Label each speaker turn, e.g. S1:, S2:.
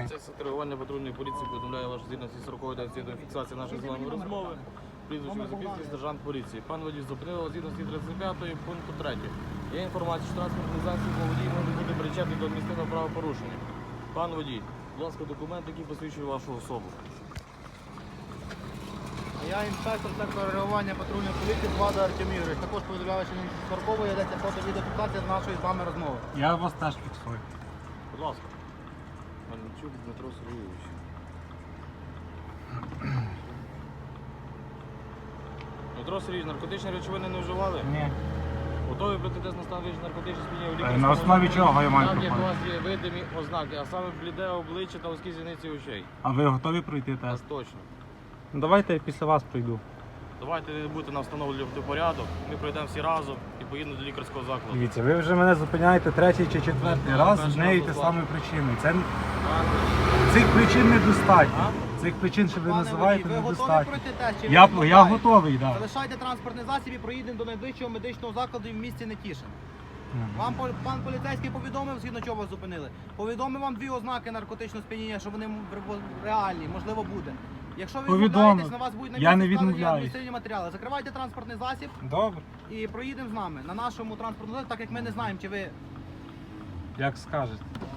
S1: Це реагування патрульної поліції повідомляє вашу згідності 40-ї до фіксації нашої з вами розмови. Прізвище Високівський сержант поліції. Пан водій зупинив згідності 35 пункту 3. Є інформація, що транспортний засіб водій може бути причетний до адміністративного правопорушення. Пан водій, будь ласка, документ, який посвідчує вашу особу.
S2: Я інспектор сектору реагування патрульної поліції Влада Артем Ігорович. Також повідомляю, що на 40-ї йдеться фото-відеофіксація з нашої з вами розмови.
S3: Я вас теж фіксую.
S1: Будь ласка. Мельничук Дмитро Сергійович. Дмитро Сергійович, наркотичні речовини не вживали?
S3: Ні.
S1: Готові пройти тест на стан наркотичних сп'яніння?
S3: На основі чого я маю
S1: Там є у
S3: проходити?
S1: вас є видимі ознаки, а саме бліде обличчя та вузькі зіниці очей.
S3: А ви готові пройти
S1: Нас
S3: тест?
S1: точно.
S3: Давайте я після вас пройду.
S1: Давайте не будете нам встановлювати порядок, ми пройдемо всі разом і поїдемо до лікарського закладу.
S3: Дивіться, ви вже мене зупиняєте третій чи четвертий раз з
S1: перший
S3: нею
S1: раз
S3: те
S1: дозволю.
S3: самою причиною. Цих причин недостатньо.
S1: А?
S3: Цих причин, що ви
S2: Пане
S3: називаєте,
S2: водій, ви готові
S3: недостатньо.
S2: пройти тест? Чи ви
S3: Я
S2: відмовляєтесь?
S3: готовий, так.
S2: Залишайте транспортний засіб і проїдемо до найближчого медичного закладу в місті Нетішин. Вам пан поліцейський повідомив, згідно чого вас зупинили. Повідомив вам дві ознаки наркотичного сп'яніння, що вони реальні, можливо, буде. Якщо ви
S3: Повідомив.
S2: відмовляєтесь, на вас будуть на
S3: Я не
S2: місці складені
S3: відмовляюсь.
S2: адміністративні матеріали. Закривайте транспортний засіб
S3: Добре,
S2: і проїдемо з нами на нашому транспортному засобі, так як ми не знаємо, чи ви
S3: як скажете.